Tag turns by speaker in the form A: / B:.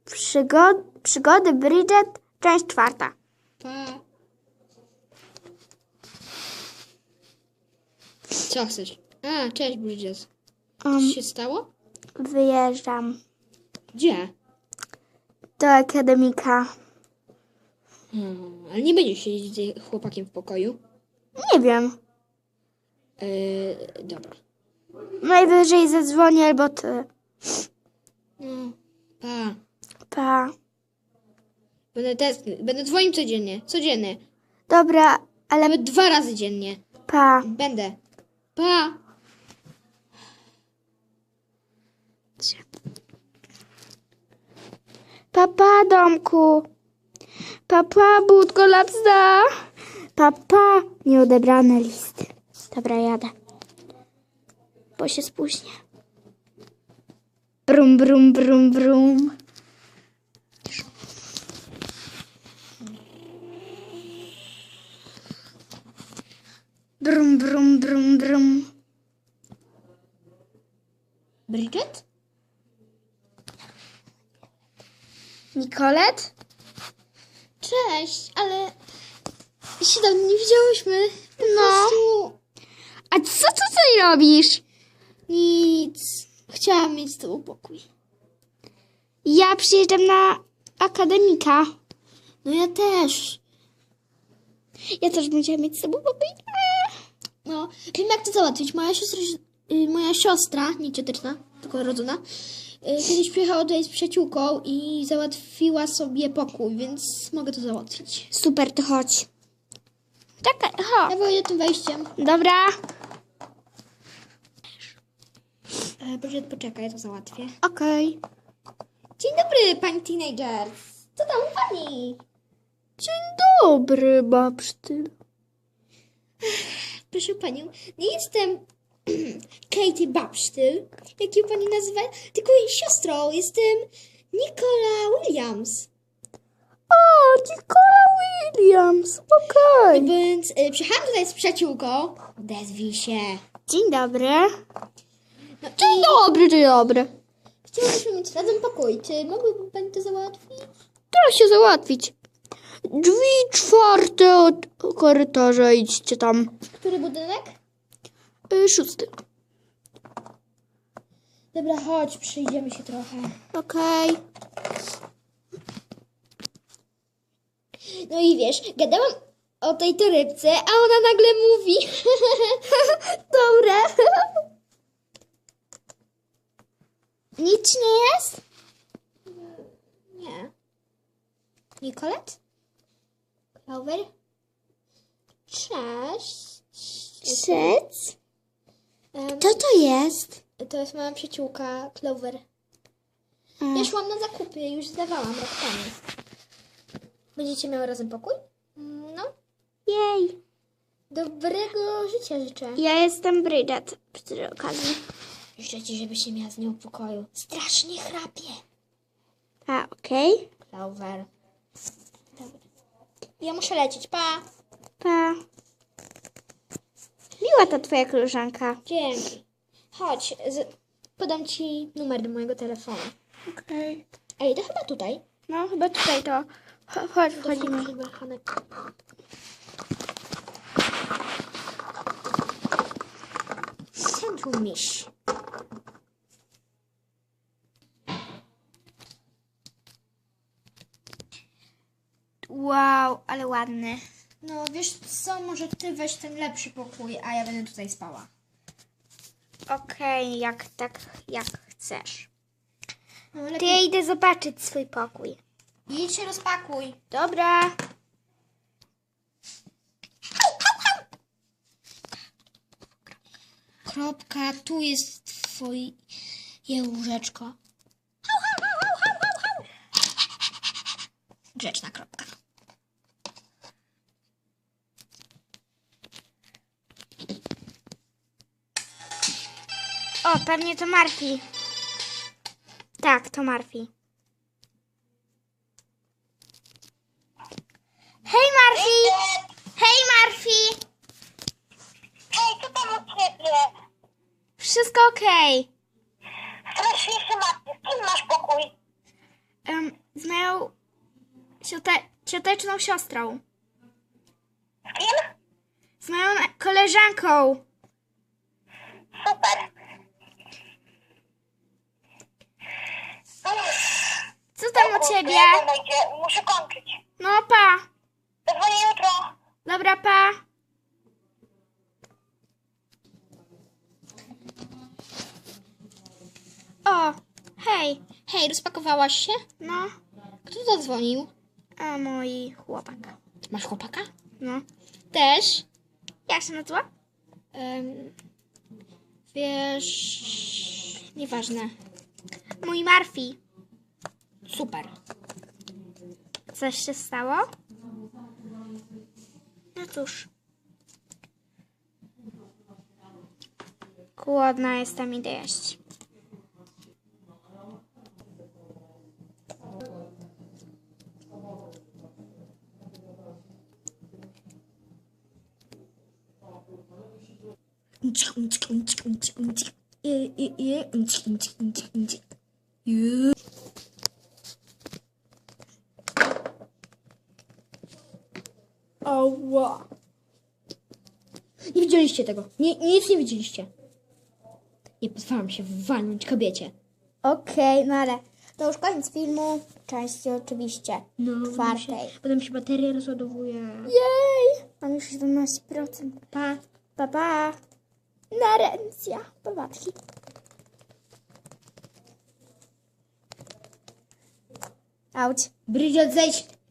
A: Przygody Bridget, część 4.
B: Pa. Co chcesz? A, cześć Bridget. Co się stało?
A: Wyjeżdżam
B: Gdzie?
A: do akademika.
B: Ale nie będziesz siedzieć z chłopakiem w pokoju?
A: Nie wiem.
B: Dobra.
A: Najwyżej zadzwonię albo ty.
B: No, pa.
A: Pa.
B: Będę dzwonił codziennie. Codziennie.
A: Dobra, ale
B: Nawet 2 razy dziennie.
A: pa.
B: Będę. Pa.
A: Papa, domku. Papa, budko lapsda. Papa, nieodebrane listy. Dobra, jadę. Bo się spóźnię. Brum, brum, brum, brum. Brum, brum, brum, brum.
B: Bridget?
A: Nicolette?
B: Cześć, ale się dawno nie widziałyśmy. Po
A: No.
B: prostu
A: A co ty tutaj robisz?
B: nic. Chciałam mieć z tobą pokój.
A: Ja przyjeżdżam na akademika.
B: No ja też.
A: Ja też bym chciała mieć z tobą pokój.
B: No, wiem jak to załatwić. Moja siostra, nie cioteczna, tylko rodzona, kiedyś przyjechała tutaj z przyjaciółką i załatwiła sobie pokój, więc mogę to załatwić.
A: Super, to chodź. Czekaj, chodź.
B: Ja wyjdę tym wejściem.
A: Dobra.
B: Proszę, poczekaj, ja to załatwię.
A: Okej.
B: Dzień dobry, pani teenagers. Co tam u pani?
A: Dzień dobry, babsztyl.
B: Proszę panią, nie jestem Katie Babsztyl, jak ją pani nazywa, tylko jej siostrą. Jestem Nicola Williams.
A: O, Nicola Williams. Okej.
B: Więc przyjechałam tutaj z przyjaciółką. Odezwij się.
A: Dzień dobry.
B: No
A: Dzień dobry, dzień dobry.
B: chciałybyśmy mieć razem pokój. Czy mogłaby pani to załatwić?
A: Teraz się załatwić. Drzwi 4 od korytarza, idźcie tam.
B: Który budynek?
A: 6.
B: Dobra, chodź, przyjdziemy się trochę.
A: Okej.
B: No i wiesz, gadałam o tej torebce, a ona nagle mówi.
A: Dobra. Nic nie jest?
B: Nie. Nicolette? Clover? Cześć.
A: Szec?
B: Em,
A: Co to jest?
B: To jest moja przyjaciółka Clover. Ja szłam na zakupy, już zdawałam rok temu. Będziecie miały razem pokój? No.
A: Jej.
B: Dobrego życia życzę.
A: Ja jestem Bridget przy tej okazji.
B: Życzę ci, żebyś się miała z nią w pokoju. Strasznie chrapie.
A: A, okej.
B: Clover. Dobra. Ja muszę lecieć, pa.
A: Pa. Miła ta twoja koleżanka.
B: Dzięki. Chodź, podam ci numer do mojego telefonu.
A: Okej.
B: Ej, to chyba tutaj.
A: No, chyba tutaj to. Chodź, wchodzimy.
B: Centrum miś.
A: Wow, ale ładny.
B: No wiesz co, może ty weź ten lepszy pokój, a ja będę tutaj spała.
A: Okej, jak chcesz.
B: No
A: To
B: lepiej.
A: ja idę zobaczyć swój pokój.
B: Idź się rozpakuj.
A: Dobra.
B: Kropka, tu jest twoje łóżeczko. Grzeczna kropka.
A: O, pewnie to Marfi. Tak, to Marfi. Hej, Marfi! Hej, Marfi!
C: Hej, co tam u ciebie?
A: Wszystko okej.
C: Strasznie się martwię. Z kim masz pokój?
A: cioteczną siostrą.
C: Z kim?
A: Z moją koleżanką.
C: Super.
A: Co tam u ciebie?
C: Muszę kończyć.
A: No pa.
C: Zadzwonię jutro.
A: Dobra, pa. O, hej.
B: Hej, rozpakowałaś się?
A: No,
B: Kto zadzwonił?
A: a mój chłopak.
B: Masz chłopaka?
A: No.
B: Też.
A: Jak się nazywa?
B: Wiesz... Nieważne.
A: Mój Marfi.
B: Super.
A: Coś się stało? No cóż. Głodna jestem, idę jeść.
B: Ała. Nie widzieliście tego. Nic nie widzieliście. Nie pozwalam się walnąć kobiecie.
A: Okej, no ale to już koniec filmu. Części oczywiście. Czwartej.
B: Potem się bateria rozładowuje.
A: Jej! Mam już 17%.
B: Pa.
A: Pa, pa. Narencja. Powadki. Auć.
B: Brydziot, zejdź.